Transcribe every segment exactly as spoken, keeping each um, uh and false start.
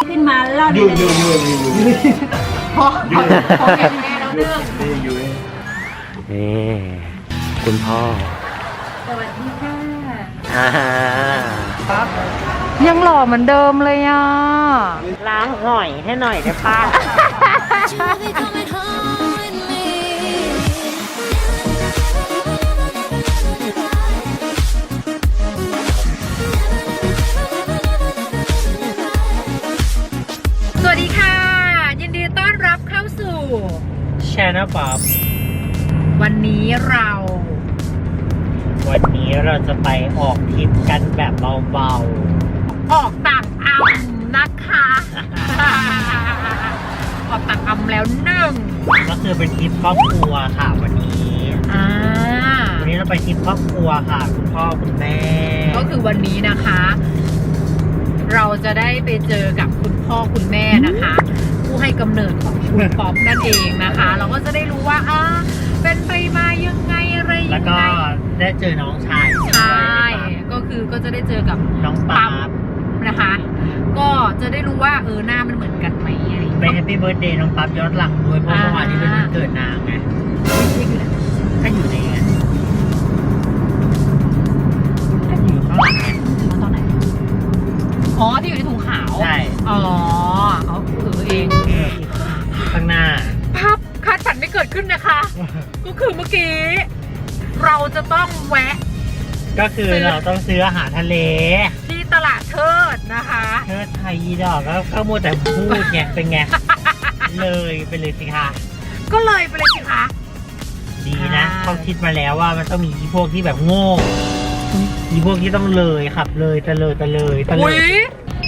ขึ้นมาเล่าในเรื่องพอพอแก่แม่แล้วเรื่องนี่คุณพ่อสวัสดีค่ะอ่ายังหล่อเหมือนเดิมเลยอ่ะล้างหน่อยให้หน่อยได้ป้าสวัสดีค่ะ ยินดีต้อนรับเข้าสู่แชร์นะป๊อบวันนี้เราวันนี้เราจะไปออกทริปกันแบบเบาออกต่างอำนะคะ ออกต่างอำแล้วหนึ่งๆก็คือเป็นทริปครอบครัวค่ะวันนี้อ่าวันนี้เราไปทริปครอบครัวค่ะคุณพ่อคุณแม่ก็คือวันนี้นะคะ เราจะได้ไปเจอกับคุณพ่อคุณแม่นะคะ ผู้ให้กำเนิดของคุณป๊อปนั่นเองนะคะ เราก็จะได้รู้ว่าอ่าเป็นไปมายังไงอะไรยังไงแล้วก็ได้เจอน้องชายใช่ก็คือก็จะได้เจอกับน้องป๊าบนะคะ ก็จะได้รู้ว่าเออหน้ามันเหมือนกันไหมอะไรอย่างไปเงี้ยแฮปปี้เบิร์ดเดย์น้องป๊าบย้อนหลังด้วยเพราะเมื่อวานนี้เป็นวันเกิดนางไงถ้าอยู่ในนั้นถ้าอยู่ข้างหลังไงตอนไหนอ๋อที่อยู่ในถุงขาวใช่อ๋อเอาเออเองข้างหน้าภาพคาดฝันไม่เกิดขึ้นนะคะ ก็คือเมื่อกี้ เราจะต้องแวะก็คือเราต้องซื้ออาหารทะเลที่ตลาดเทิดนะคะเธอไทยอีดอกแล้วก็มัวแต่พูดไงเป็นไง เลยไปเลยสิคะก็เลยไปเลยสิคะดีนะอ่าเขาคิดมาแล้วว่ามันต้องมีอีพวกที่แบบโง่อีพวกที่ต้องเลยขับเลยตะเลยตะเลยตะเลอุ๊ยย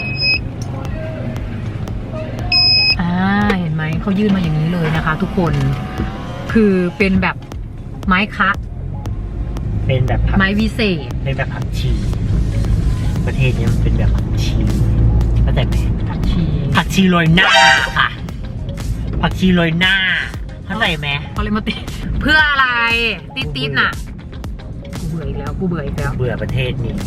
อ่าเห็นไหมเขายื่นมาอย่างนี้เลยนะคะ ทุกคนคือเป็นแบบไม้คะเป็นแบบผักไม้วิเศษเป็นแบบผักชี ประเทศนี้มันเป็นแบบผักชีเข้าใจไหมผักชีผักชีโรยหน้าค่ะ ผักชีโรยหน้าเข้าใจไหมเขาเลยมาติดเพื่ออะไรติดติดน่ะกูเบื่ออีกแล้วกูเบื่ออีกแล้วเบื่อประเทศนี้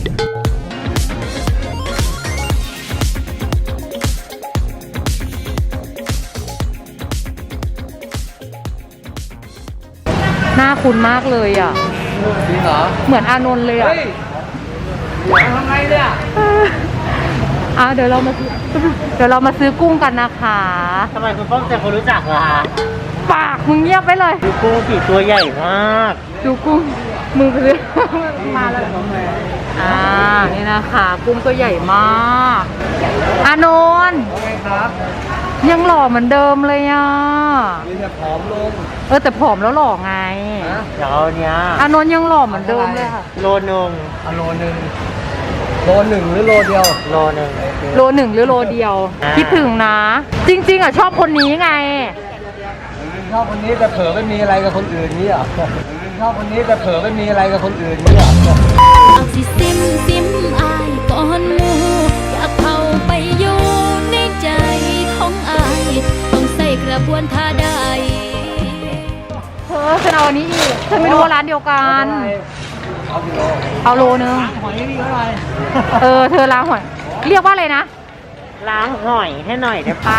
หน้าคุ้นมากเลยอ่ะจริงเหรอเหมือนอานนท์เลยอ่ะเฮ้ยทำไงเนี่ยอ่ะเดี๋ยวเรามาซื้อเดี๋ยวเรามาซื้อกุ้งกันนะคะทำไมคุณป้องเจอคนรู้จักล่ะปากมึงเงียบไปเลยดูกุ้งสีตัวใหญ่มากดูกุ้งมึงไปเลยมาแล้วอ่านี่นะคะกุ้งตัวใหญ่มากอานนท์โอเคครับยังหล่อเหมือนเดิมเลยอ่ะมีแต่ผอมลงเออแต่ผอมแล้วหล่อไงนะเดี๋ยวเอาเนี้ยอานนท์ยังหล่อเหมือนเดิมเลยค่ะโลนึงเอาโลหนึ่งโลหนึ่งหรือโลเดียวโลนึงโลหนึ่งหรือโลเดียวอ่าคิดถึงนะ จริง ๆอ่ะชอบคนนี้ไงชอบคนนี้แต่เผลอไม่มีอะไรกับคนอื่นนี่เหรอชอบคนนี้แต่เผลอไม่มีอะไรกับคนอื่นนี่เหรอเอาสิซิมซิมอายก่อนหมูอยากเข้าไปอยู่ในใจของอายต้องใส่กระบวนท่าใดเธอฉันเอาอันนี้อีกฉันไม่รู้ว่าร้านเดียวกันเอากิโลเอาโลนึงหอยนี่เท่าไหร่เออเธอล้างหอยเรียกว่าอะไรนะล้างหอยให้หน่อยได้ป้า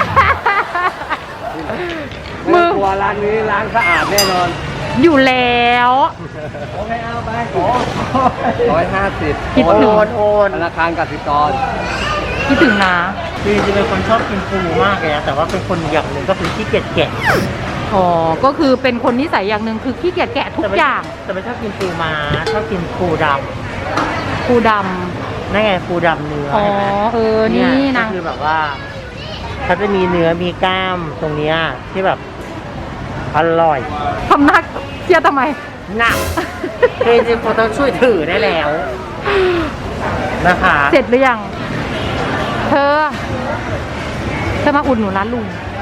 มือไต้องกลัวร้านนี้ล้างสะอาดแน่นอนอยู่แล้วโอเคเอาไปขอร้อยห้าสิบคิดโอนถึงโอนโอนธนาคารกสิกรคิดถึงนะคือจริงๆเป็นคนชอบกินปูมากเลยนะแต่ว่าเป็นคนอย่างหนึ่งก็คือขี้เกียจแกะอ๋อก็คือเป็นคนนิสัยอย่างหนึ่งคือขี้เกียจแกะทุกแต่ไม่อย่างแต่ไม่ชอบกินปูม้าชอบกินปูดปูดำนั่นไงปูดำเนื้อำอ๋อเห็นไหมเออนี่เยนางก็คือแบบว่าเขาจะมีเนื้อมีกล้ามตรงเนี้ยที่แบบอร่อยทำหนักเครียดทำไมหนักเจจเขาต้องช่วยถือได้แล้วนะคะเสร็จหรือยัง เธอ เธอมาอุดหนุนร้านลุง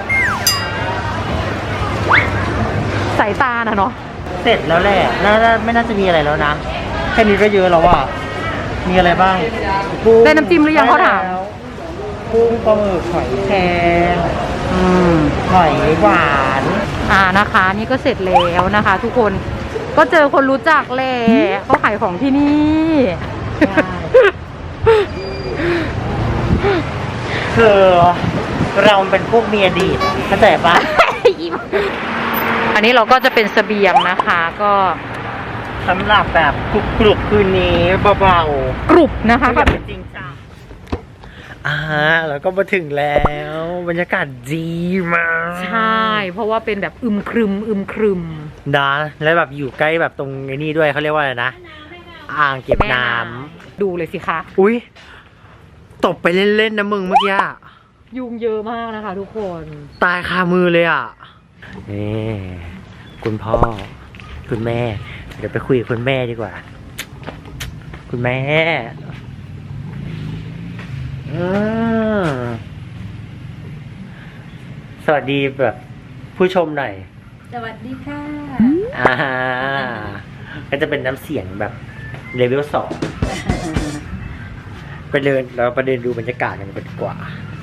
สายตาน่ะเนาะเสร็จแล้วแหละน่าจะไม่น่าจะมีอะไรแล้วนะแค่นี้ก็เยอะแล้วอ่ะมีอะไรบ้างกุ้งได้น้ำจิ้มหรือยังเขาถามได้แล้วกุ้งปลาหมึกหอยแครงอืมหอยหวานอ่านะคะ นี่ก็เสร็จแล้วนะคะ ทุกคนก็เจอคนรู้จักแหละเขาขายของที่นี่คือเราเป็นพวกเมียดีเข้าใจปะอันนี้เราก็จะเป็นเสบียงนะคะ ก็สำหรับแบบกรุบกรุบคืนนี้เบาๆกรุบนะคะไม่อยากเป็นจริงจังอ่าแล้วก็มาถึงแล้วบรรยากาศดีมากใช่ เพราะว่าเป็นแบบอึมครึมอึมครึมนะแล้วแบบอยู่ใกล้แบบตรงไอ้นี่ด้วยเขาเรียกว่าอะไรนะ อ่างเก็บน้ำดูเลยสิคะอุ้ยตบไปเล่นๆนะมึงเมื่อกี้ยุงเยอะมากนะคะทุกคนตายคามือเลยอ่ะนี่คุณพ่อ คุณแม่ เดี๋ยวไปคุยกับคุณแม่ดีกว่า คุณแม่อืมสวัสดีแบบผู้ชมหน่อยสวัสดีค่ะอ่าก็จะเป็นน้ำเสียงแบบเลเวลสองไปเดินเราไปเดินดูบรรยากาศกันดีกว่า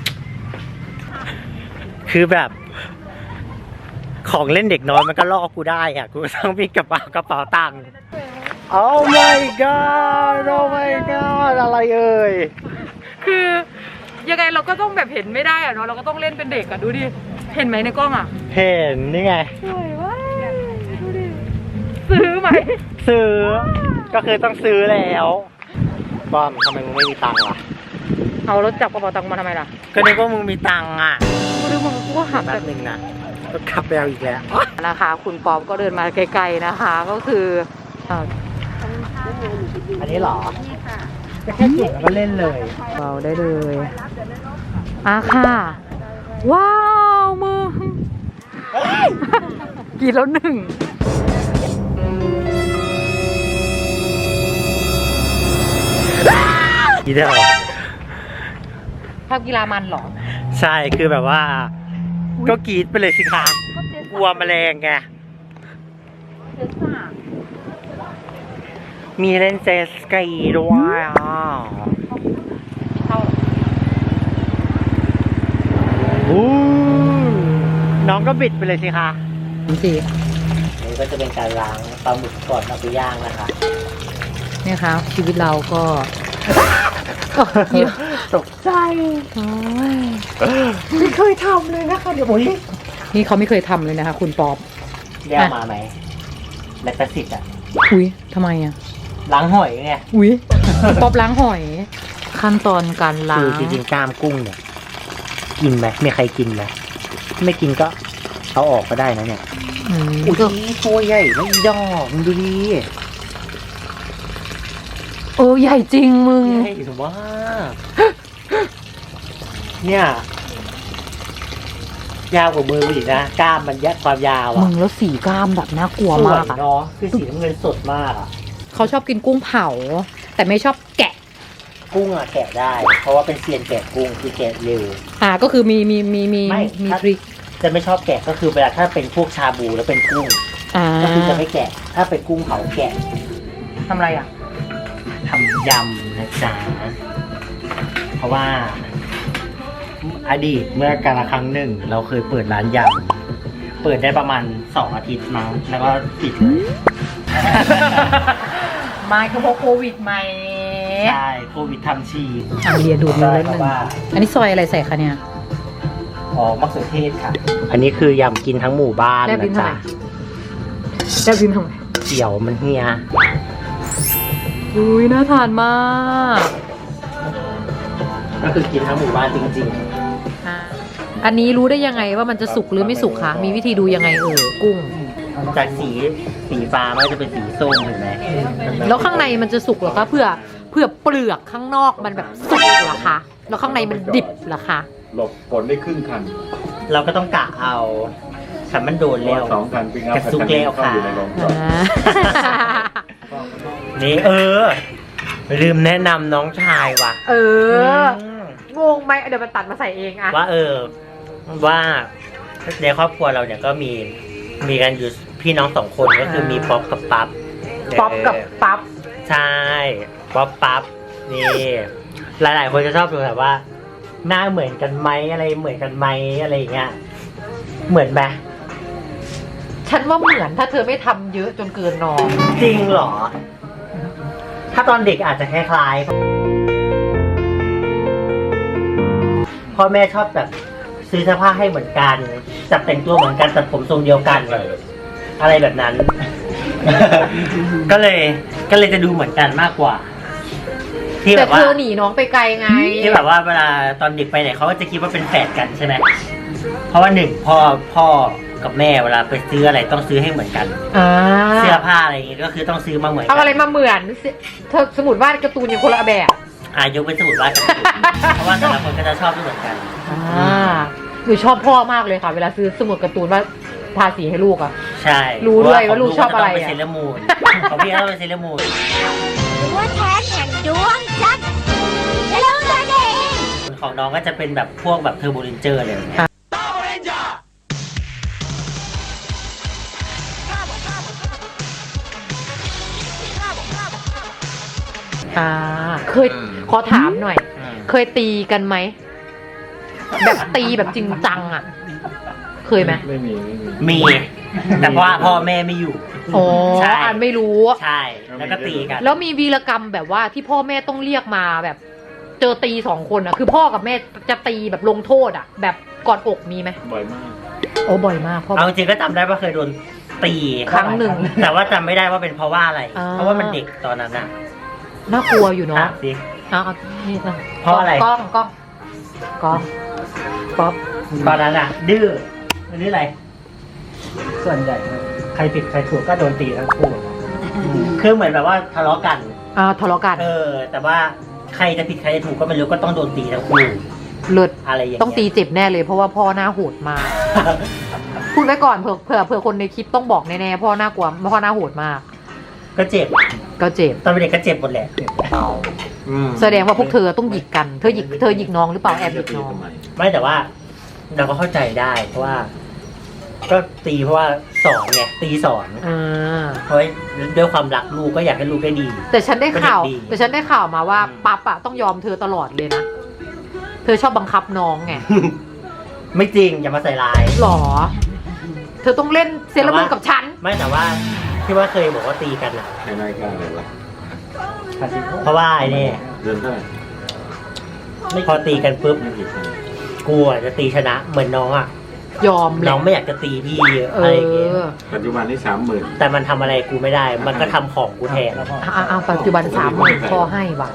คือแบบ ของเล่นเด็กน้อยมันก็ล่อกูได้อ่ะ กูต้องมีกระเป๋ากระเป๋าตังค์ Oh my god Oh my god อะไรเอ่ยคือยังไงเราก็ต้องแบบเห็นไม่ได้อะเนาะเราก็ต้องเล่นเป็นเด็กอะดูดิ เห็นไหมในกล้องอะเห็นนี่ไงสวยว่ะดูดิซื้อไหมซื้อ ก็คือต้องซื้อแล้วบอมทำไมมึงไม่มีตังค์ล่ะเอารถจับกระเป๋าตังค์มาทำไมล่ะก็นึกว่ามึงมีตังค์อ่ะกูนึกว่ากูก็หักแป๊บนึงนะก็ขับไปเอาอีกแล้วนะคะ คุณป๊อปก็เดินมาไกลๆนะคะ ก็คืออ่าอันนี้เหรอจะแค่จุดแล้วก็เล่นเลยเราได้เลยอ่ะค่ะ ว้าวมึงกินแล้วหนึ่งอีเดียวชอบกีฬามันเหรอใช่คือแบบว่า ก็กรีดไปเลยสิคะกลัวแมลงไง มีเล่นเจตสกีด้วยอ่ะเข้าเหรออู้น้องก็บิดไปเลยสิคะสินี่ก็จะเป็นการล้างปลาหมึกก่อนเอาไปย่างนะคะเนี่ยค่ะชีวิตเราก็ตกใจไม่เคยทำเลยนะคะเดี๋ยวผมนี่เขาไม่เคยทำเลยนะคะ คุณป๊อปเรียกมาไหมแลคตาซิดอ่ะอุ้ยทำไมอ่ะล้างหอยไงอุ้ย ป๊อปล้างหอย ขั้นตอนการล้าคือง จริงๆกล้ามกุ้งเนี่ยกินไหมมีใครกินไหมไม่กินก็เอาออกก็ได้นะเนี่ยอืมอุ้ยตัวใหญ่นะอีดอกมึงดูดิเออใหญ่จริงมึงใหญ่มาก เนี่ยยาวกว่ามือกูอีกนะกล้ามมันยัดความยาวมึอ่ะงแล้วสีกล้ามแบบน่ากลัวสวมาย กอ่ะเนาะคือสีน้ำเงินสดมากอ่ะเขาชอบกินกุ้งเผา แต่ไม่ชอบแกะกุ้งอ่ะแกะได้ เพราะว่าเป็นเซียนแกะกุ้งคือแกะเร็วอ่าก็คือมีมีมีมีไม่มีถ้าทริคจะไม่ชอบแกะก็คือเวลาถ้าเป็นพวกชาบูแล้วเป็นกุ้งอ่าก็คือจะไม่แกะ ถ้าเป็นกุ้งเผาแกะทำอะไรอ่ะทำยำนะจ๊ะเพราะว่าอดีตเมื่อกาลครั้งหนึ่ง เราเคยเปิดร้านยำเปิดได้ประมาณสองอาทิตย์มั้งแล้วก็ปิดเลยมาคือเพราะโควิดไหมใช่โควิดทำชีอ่ะเรียดูดมือเล่นหนึ่งเพราะว่าอันนี้ซอยอะไรใส่คะเนี่ยอ๋อมะเขือเทศค่ะ อันนี้คือยำกินทั้งหมู่บ้านแลบลิ้นะนทำจ๊ะไม แซ่บยิ้มทำไมเกี่ยวมันเฮียอุ้ยน่าทานมากก็คือกินทั้งหมู่บ้านจริงอ่าอันนี้รู้ได้ยังไงว่ามันจะสุกหรือไม่สุกคะ มีวิธีดูยังไงเออกุ้งๆ จากสีสีฟ้ามันก็จะเป็นสีส้มเห็นไหมแล้วข้างในมันจะสุกเหรอคะเพื่อเพื่อเปลือกข้างนอกมันแบบสุกเหรอคะแล้วข้างในมันดิบเหรอคะหลบฝนได้ครึ่งคันเราก็ต้องกะเอาฉันมันโดนแล้วสองคันปิงอัพกระซุกแล้วค่ะอยู่ในโรงจอดอ่านี่เออ ลืมแนะนำน้องชายว่ะเออมงงไหมเดี๋ยวมันตัดมาใส่เองอะว่าเออ ว่าในครอบครัวเราเนี่ยก็มีมีกันอยู่พี่น้องสองคนก็คือมีป๊อปกับปั๊บป๊อปกับปั๊บใช่ป๊อปปั๊บนี่หลาย ๆ คนจะชอบดูแบบว่า หน้าเหมือนกันไหมอะไรเหมือนกันไหมอะไรอย่างเงี้ยเหมือนไหมฉันว่าเหมือนถ้าเธอไม่ทำเยอะจนเกินนอนจริงเหรอ ถ้าตอนเด็กอาจจะคล้ายๆพ่อแม่ชอบแบบซื้อเสื้อผ้าให้เหมือนกันจับแต่งตัวเหมือนกันตัดผมทรงเดียวกันอะไรแบบนั้น ก็เลยก็เลยจะดูเหมือนกันมากกว่า ที่แบแต่บเธว่าอหนีน้องไปไกลไงที่แบบว่าเวลาตอนเด็กไปไหนเขาก็จะคิดว่าเป็นแฝดกันใช่ไหมเพราะว่าหนึ่งพ่อพ่อกับแม่เวลาไปซื้ออะไรต้องซื้อให้เหมือนกันอ่าเสื้อผ้าอะไรอย่างงี้ก็คือต้องซื้อมาเหมือนกัเอาอะไรมาเหมือนเธอสมุดวาดการ์ตูนอย่างคนละแบบอ่ายกเป็นสมุดวาดกันเพราะว่าแต่ละคนก็จะชอบไม่เหมือนกันอ่าหนูชอบพ่อมากเลยค่ะ เวลาซื้อสมุดการ์ตูนว่าทาสีให้ลูกอ่ะใช่รู้ด้วยว่าลูกชอบอะไรขงอะลูกก็ต้องเป็นเซเลอร์มูนของพี่ก็ต้องเป็นเซเลอร์มูนตัวแทนแห่งดวงจันทร์เซเลอร์เองของน้องก็จะเป็นแบบพวกแบบเทอร์โบเรนเจอร์เลยเนี่ยอ่า เคยขอถามหน่อยอืมเคยตีกันไหม แบบตีแบบจริงจังอ่ะ เคยไหมไม่มีไม่มีมี แต่ว่าพ่อแม่ไม่อยู่อ๋อใช่อ่านไม่รู้ใช่แล้วก็ตีกันแล้วมีวีรกรรมแบบว่าที่พ่อแม่ต้องเรียกมาแบบ เจอตีสองคนอ่ะ คือพ่อกับแม่จะตีแบบลงโทษอ่ะ แบบกอดอกมีไหมบ่อยมากโอ้บ่อยมากพ่อเอาจริงๆก็จำได้ว่าเคยโดนตีครั้งหนึ่งแต่ว่าจำไม่ได้ว่าเป็นเพราะว่าอะไรอ่าเพราะว่ามันเด็กตอนนั้นน่ะน่ากลัวอยู่เนาะถามสิเอาเอานี่นะเพราะอะไรกล้องกล้องกล้องป๊อปตอนนั้นอ่ะ ดื้อมันดื้ออะไร ส่วนใหญ่ใครผิดใครถูกก็โดนตีทั้งคู่คือเหมือนแบบว่าทะเลาะกันอ่าทะเลาะกันเออ แต่ว่าใครจะผิดใครจะถูกก็ไม่รู้ก็ต้องโดนตีทั้งคู่เลิศอะไรอย่างเงี้ยต้องตีเจ็บแน่เลยเพราะว่าพ่อหน้าโหดมาก พูดไว้ก่อนเผื่อเผื่อเผื่อคนในคลิปต้องบอกแน่ๆพ่อหน้ากลัวพ่อหน้าโหดมากก็เจ็บก็เจ็บตอนเป็นเด็กก็เจ็บหมดแหละแสดงว่าพวกเธอต้องหยิกกัน เธอหยิกเธอหยิกน้องหรือเปล่าแอบหยิกน้องไม่แต่ว่าเราก็เข้าใจได้ เพราะว่า ก็ตีเพราะว่าสอนไงตีสอนอ่าเพราะด้วยความรักลูกก็อยากให้ลูกได้ดีแต่ฉันได้ข่าวก็เด็กดีแต่ฉันได้ข่าวมาว่าปั๊บอะต้องยอมเธอตลอดเลยนะ เธอชอบบังคับน้องไงไม่จริงอย่ามาใส่ร้ายหรอ เธอต้องเล่นเซเลอร์มูนกับฉันไม่แต่ว่าที่ว่าเคยบอกว่าตีกันอ่ะในรายการอะไรวะเพราะว่าไอ้นี่เดือนเท่าไหร่พอตีกันปุ๊บไม่กี่คนกลัวจะตีชนะเหมือนน้องอ่ะยอมแหน้ละองไม่อยากจะตีพี่เออะไรอย่างเงี้ยอปัจจุบันนี่สามหมื่นแต่มันทำอะไรกูไม่ได้ มันก็ทำของกูแทนอ่าปัจจุบันสามหมื่นพอให้ว่ะ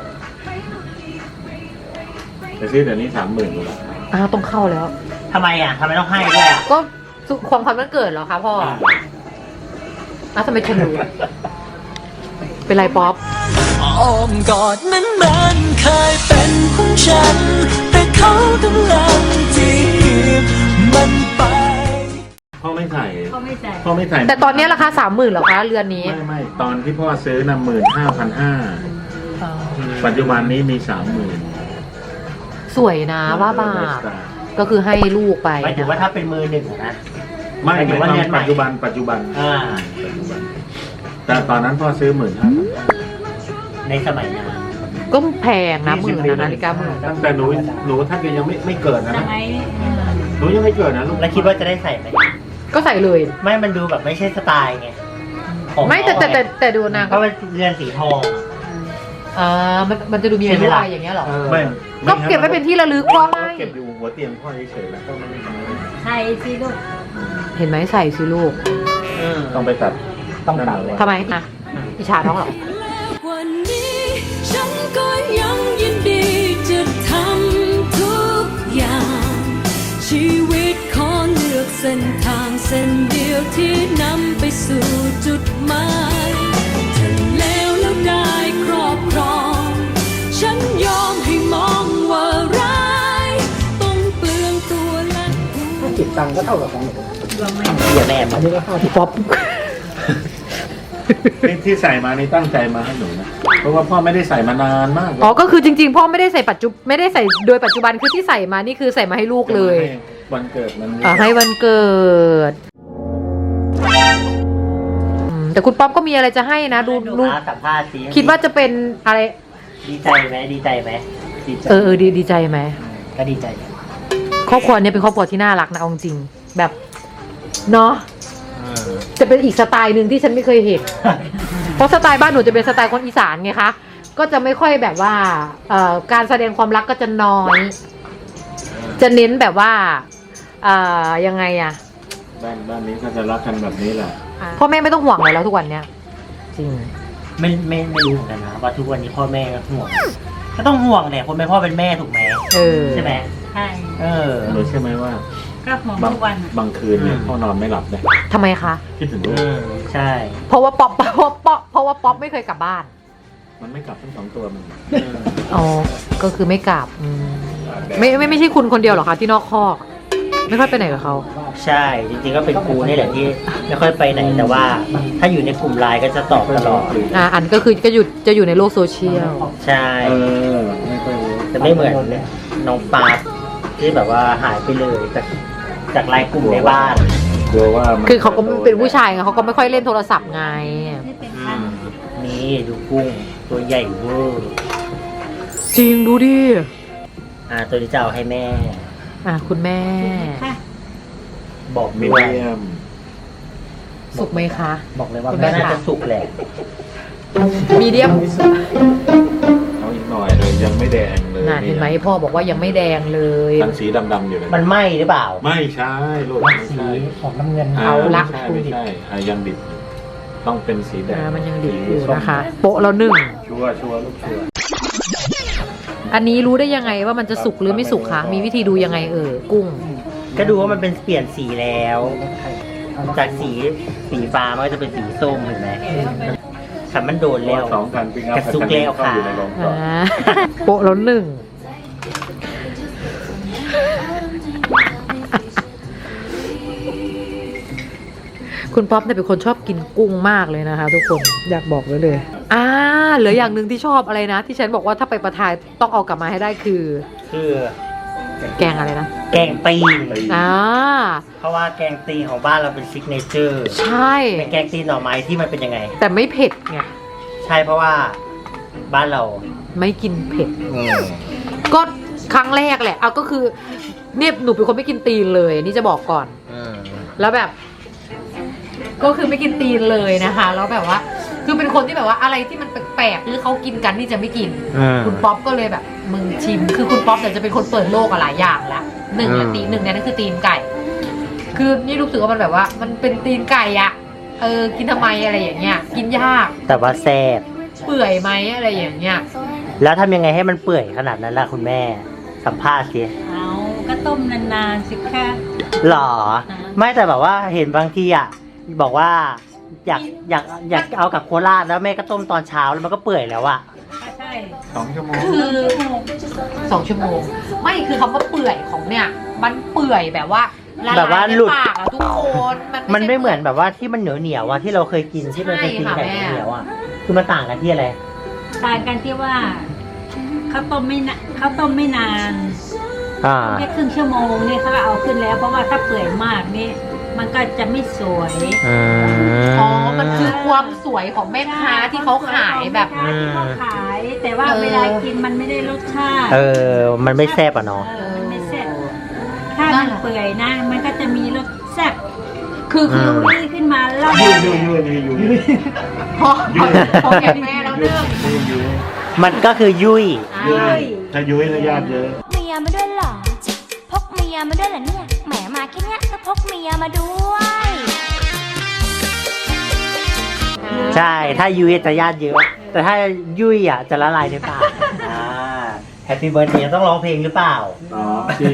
แต่ซื้อเดี๋ยวนี้สามหมื่นกว่าบาทอ่าต้องเข้าแล้วทำไมอ่ะทำไมต้องให้ด้วยอ่ะก็สุความความวันเกิดเหรอคะพ่ออ่ะทำไมฉันรู้ เป็นไรป๊อปอ้อมกอดนั้นมันเคยเป็นของฉัน แต่เขากำลังจีบมันไปพ่อไม่ใส่พ่อไม่ใส่พ่อไม่ใส่แต่ตอนนี้ราคาสามหมื่นเหรอคะเรือนนี้ไม่ไม่ตอนที่พ่อซื้อน่ะหมื่นห้าพันห้าปัจจุบันนี้มีสามหมื่นสวยนะว่าบาทก็คือให้ลูกไปหมายถึงว่าถ้าเป็นมือหนึ่งอะนะไม่หมายถึไม่งว่าตอเรียนนใหม่ปัจจุบันปัจจุบันอ่าปัจจุบัน แต่ตอนนั้นพ่อซื้อหมื่นห้าพันในสมัยนั้นก็แพงนะหมื่นนะนาฬิกาหมื่นตั้งแต่หนูหนูท่านก็ยังไม่ไม่เกิดนะสนะมัยหนูยังไม่เกิดนะลูกแล้วคิดว่าจะได้ใส่ไหมก็ใส่เลยไม่มันดูแบบไม่ใช่สไตล์ไงของไม่แต่แต่แต่แต่ดูนะเพราะมันเรือนสีทองอ่ามันมันจะดูมีอายุอะไรอย่างเงี้ยเหรอเออไม่ก็เก็บไว้เป็นที่ระลึกพ่อให้เก็บอยู่หัวเตียงพ่อเฉยๆแล้วก็ไม่ได้ทำอะไรไทยสิลูกเห็นไหมใส่สิลูกต้องไปตัดต้องตัดเลยทำไมนะอิจฉาน้องเหรอวันนี้ฉันก็ยังยินดีจะทำทุกอย่าง ชีวิตขอเลือกเส้นทางเส้นเดียวที่นำไปสู่จุดหมายถ้าแล้วแล้วได้ครอบครอง ฉันยอมให้มองว่าร้ายต้องเปลืองตัวและหัวจิตตังก็เท่ากับของหนูเดี๋ยวแม่อันนี้ก็เข้าที่ป๊อปที่ที่ใส่มานี่ตั้งใจมาให้หนูนะ เพราะว่าพ่อไม่ได้ใส่มานานมากแล้วอ๋อก็คือจริงๆพ่อไม่ได้ใส่ปัจจุไม่ได้ใส่โดยปัจจุบันคือที่ใส่มานี่คือใส่มาให้ลูกเลยให้วันเกิดมันอ่าให้วันเกิดอืมแต่คุณป๊อปก็มีอะไรจะให้นะดูดูดูสัมภาษณ์สิคิดว่าจะเป็นอะไรดีใจไหมดีใจไหมดีใจเออเออดีดีใจไหมก็ดีใจครอบครัวเนี้ยเป็นครอบครัวที่น่ารักนะเอาจริงๆแบบเนาะจะเป็นอีกสไตล์หนึ่งที่ฉันไม่เคยเห็น เพราะสไตล์บ้านหนูจะเป็นสไตล์คนอีสานไงคะก็จะไม่ค่อยแบบว่าเอ่อการแสดงความรักก็จะน้อยจะเน้นแบบว่าอ่ายังไงอะบ้านบ้านนี้ก็จะรักกันแบบนี้แหละพ่อแม่ไม่ต้องห่วงเลยแล้วทุกวันเนี้ยจริงไม่ไม่ไม่รู้เหมือนกันนะว่าทุกวันนี้พ่อแม่ก็ห่วงก็ต้องห่วงแหละคนเป็นพ่อเป็นแม่ถูกไหมเออใช่ไหมใช่เออรู้ใช่ไหมว่าก็ห่วงบางทุกวันอะบางคืนเนี่ยพ่อนอนไม่หลับเลยทำไมคะคิดถึงลูอืกมใช่เพราะว่าป๊อปเพราะว่าป๊อปเพราะว่าป๊อปไม่เคยกลับบ้านมันไม่กลับทั้งสองตัวมันอ๋อ ก็คือไม่กลับอืมไม่ไม่ไม่ใช่คุณคนเดียวหรอคะที่นอกคอก ไม่ค่อยไปไหนกับเขาใช่จริงๆก็เป็นครูนี่แหละที่ไม่ค่อยไปไหนแต่ว่า ถ้าอยู่ในกลุ่มไลน์ก็จะตอบตลอดอ่าอันก็คือก็อยู่จะอยู่ในโลกโซเชียลใช่เออไม่ค่อยรู้จะไม่เหมือนน้องปาร์ตที่แบบว่าหายไปเลยจากจากไลน์กลุ่มในบ้านกลัวว่ามันคือเขาก็เป็นผู้ชายไงเขาก็ไม่ค่อยเล่นโทรศัพท์ไงนี่เป็นอืขั้นมนี่ดูกุ้งตัวใหญ่เวอร์จริงดูดิอ่าตัวนี้จะเอาให้แม่อ่ะคุณแม่ค่ะบอกมีด้วยเดียมสุกไหมคะบอกเลยว่าคุณแม่แม่น่าค่ะจะสุกแหละมีเดียมเอาอีกหน่อยเลยยังไม่แดงเลยน่ะเห็นไหมพ่อบอกว่ายังไม่แดงเลยทั้งสีดำๆอยู่เลยมันไหม้หรือเปล่าไม่ใช่ลูกมันไม่สีใช่ของน้ำเงินอ่เอาละไม่ใช่ไม่ใช่อ่ะยังดิบอยู่ต้องเป็นสีแดงอ่ามันยังดิบอยู่ส้มนะคะ โปะแล้วหนึ่งชัวร์ชัวร์ลูกชัวร์อันนี้รู้ได้ยังไงว่ามันจะสุกหรือไม่สุกคะมีวิธีดูยังไงเออกุ้งก็ดูว่ามันเป็นเปลี่ยนสีแล้ว จากสีสีฟ้ามันก็จะเป็นสีส้มเห็นไหมขันมันโดนแล้วสองคันปิ้งอัพกระซุกแล้วค่ะเข้าอยู่ในโรงกรอ่าอบโปะแล้วหนึ่ง คุณป๊อปเนี่ยเป็นคนชอบกินกุ้งมากเลยนะคะ ทุกคนอยากบอกไว้เลย อ่าเหลืออย่างหนึ่งที่ชอบอะไรนะ ที่ฉันบอกว่าถ้าไปประทายต้องเอากลับมาให้ได้คือคือแกงอะไรนะแกงตีนอ่าเพราะว่าแกงตีนของบ้านเราเป็นซิกเนเจอร์ใช่เป็นแกงตีนหน่อไม้ที่มันเป็นยังไงแต่ไม่เผ็ดไงใช่เพราะว่าบ้านเราไม่กินเผ็ดอืมก็ครั้งแรกแหละ เอาก็คือเนี่ยหนูเป็นคนไม่กินตีนเลยนี่จะบอกก่อนอืมแล้วแบบ ก็คือไม่กินตีนเลยนะคะ แล้วแบบว่า คือเป็นคนที่แบบว่าอะไรที่มันแปลกๆหรือเขากินกันนี่จะไม่กินอืมคุณป๊อปก็เลยแบบมึงชิม คือคุณป๊อปเนี่ยจะเป็นคนเปิดโลกอะหลายอย่างละหนึ่งอืเนี่ยมตีนหนึ่งเนี่ยนั่นคือตีนไก่ คือนี่รู้สึกว่ามันแบบว่า มันเป็นตีนไก่อะเออกินทำไมอะไรอย่างเงี้ย กินยากแต่ว่าแซ่บเปื่อยไหมอะไรอย่างเงี้ยแล้วทำยังไงให้มันเปื่อยขนาดนั้นล่ะคุณแม่ สัมภาษณ์สิเอาก็ต้มนานๆสิคะหรอ ไม่แต่แบบว่าเห็นบางทีอ่ะบอกว่า อยากอยากอยากเอากับโคราชแล้วแม่ก็ต้มตอนเช้าแล้วมันก็เปื่อยแล้วอ่ะก็ใช่สองชั่วโมงคือสองชั่วโมง ไม่คือคำว่าเปื่อยของเนี่ย มันเปื่อยแบบว่าละแบบว่าลายในหลุดปากอะทุกคนมันมันไม่เหมือนแบบว่าที่มันเหนียวเหนียวๆอะที่เราเคยกินที่มันเป็นตีนไก่ใช่ค่ะแม่เหนียวๆอะคือมันต่างกันที่อะไรต่างกันที่ว่าข้าวต้มไม่นาข้าวต้มไม่นานอ่าแค่ครึ่งชั่วโมงเนี่ยเขาก็เอาขึ้นแล้ว เพราะว่าถ้าเปื่อยมากนี่มันก็จะไม่สวยอืมอ๋อ มันคือความสวยของแม่ค้าที่เขาขายแบบแม่ค้าที่เขาขาย แต่ว่าเออเวลากินมันไม่ได้รสชาติเออ มันไม่แซ่บอ่ะเนาะเออมันไม่แซ่บถ้ามันเปื่อยนะ มันก็จะมีรสแซ่บคือคือมลุยขึ้นมาแล้วยุ่ยยุ่ยยุ่ยยุ่ยยุ่ยพอพอแก่แม่แล้วเรื่องยุ่ยมันก็คือยุ่ยยุ่ยถ้ายุ่ยแล้วญาติเยอะเมียมาด้วยเหรอ พกเมียมาด้วยเหรอเนี่ย แหมมาแค่เนี้ยก็พกเมียมาด้วยใช่ ถ้ายุ่ยจะญาติเยอะ แต่ถ้ายุ่ยอ่ะจะละลายในปากอ่าแฮปปี้เบิร์ดเดย์ต้องร้องเพลงหรือเปล่าอ๋อที่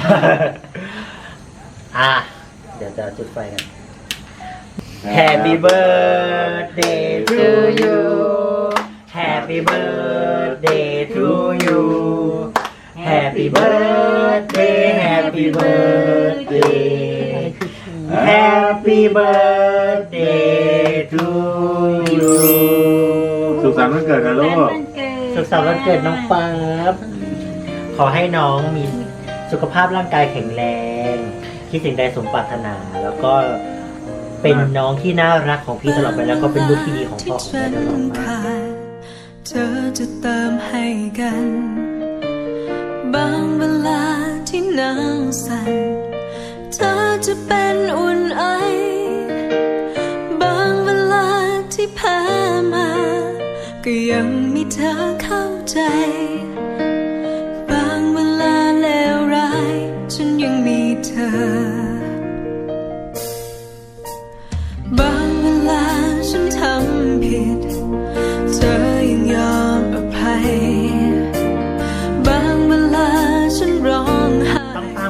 อ่ะ เดี๋ยวจะจุดไฟกัน Happy birthday to you Happy birthday to you Happy birthday Happy birthday Happy birthday to you สุขสันต์วันเกิดนะลูกสุขสันต์วันเกิดน้องป๊าบขอให้น้องมีสุขภาพร่างกายแข็งแรง คิดสิ่งใดสมปรารถนา แล้วก็เป็นน้องที่น่ารักของพี่ตลอดไปแล้วก็เป็นลูกที่ดีของพ่อของแม่ตลอดมาเธอจะเติมให้กัน บางเวลาที่หนาวสั่นเธอจะเป็นอุ่นไอ บางเวลาที่แพ้มา ก็ยังมีเธอเข้าใจ บางเวลาเลวร้าย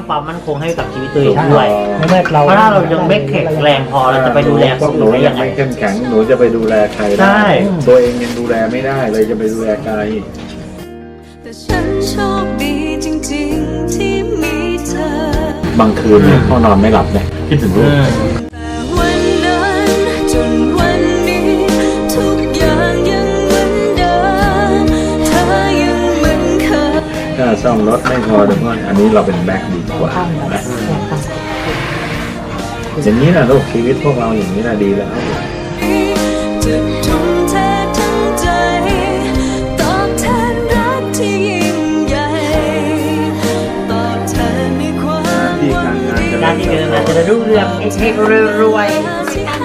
ความมั่นคงให้กับชีวิตตัวเองด้วยในเมื่อเราเพราะถ้าเรายังไม่แข็งแรงพอเราจะไปดูแลคพวน กหนูอื่นได้ยัยัง งไงไม่เข้มแข็งหนูจะไปดูแลใครใช่ได้ตัวเองยังดูแลไม่ได้เลยจะไปดูแลใครแต่ฉันโชคดีจริงๆที่มีเธอบางคืนเนี่ยพ่อนอนไม่หลับเนี่ยคิดถึงลูกแต่วันนั้นจนวันนี้ทุกอย่างยังเหมือนเดิมเธอยังเหมือนเคยถ้าซ่อมรถไม่พอเดี๋ยวพ่ออันนี้เราเป็นแบ็คดีกว่านะอย่างนี้นะลูกชีวิตพวกเราอย่างนี้นะดีแล้วจะทุ่มเททั้งใจตอบแทนรักที่ยิ่งใหญ่ตอบแทนในความหวังดีด้านที่เดินมาจะได้รุ่งเรืองเฮงๆรวยที่ให้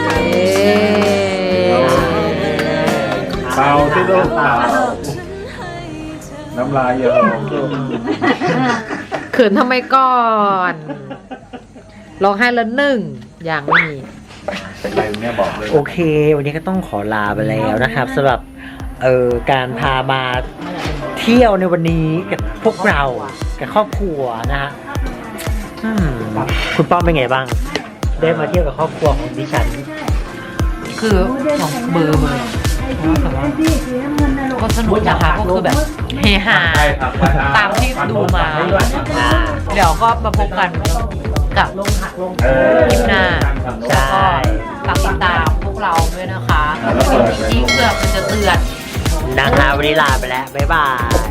เบาที่ลูกเบาน้ำลายเยอะลูกเขินทำไมก่อนร้องไห้ละหนึ่งอย่างไม่มีเป็นไรเนี่ยบอกเลยๆโอเค วันนี้ก็ต้องขอลาไปแล้วนะครับสำหรับเอ่อการพามาเที่ยวในวันนี้กับพวกเรากับครอบครัวนะฮะอืมคุณป้อมเป็นไงบ้าง ได้มาเที่ยวกับครอบครัวของดิฉันคือของเบอร์เบอร์ก็สนุกนะคะก็คือแบบเฮฮาตามที่ดูมา เดี๋ยวก็มาพบกันกับคลิปหน้าใช่ฝากติดตามพวกเราด้วยนะคะจริงๆเพื่อมันจะเตือนนะคะวันนี้ลาไปแล้ว บ๊ายบาย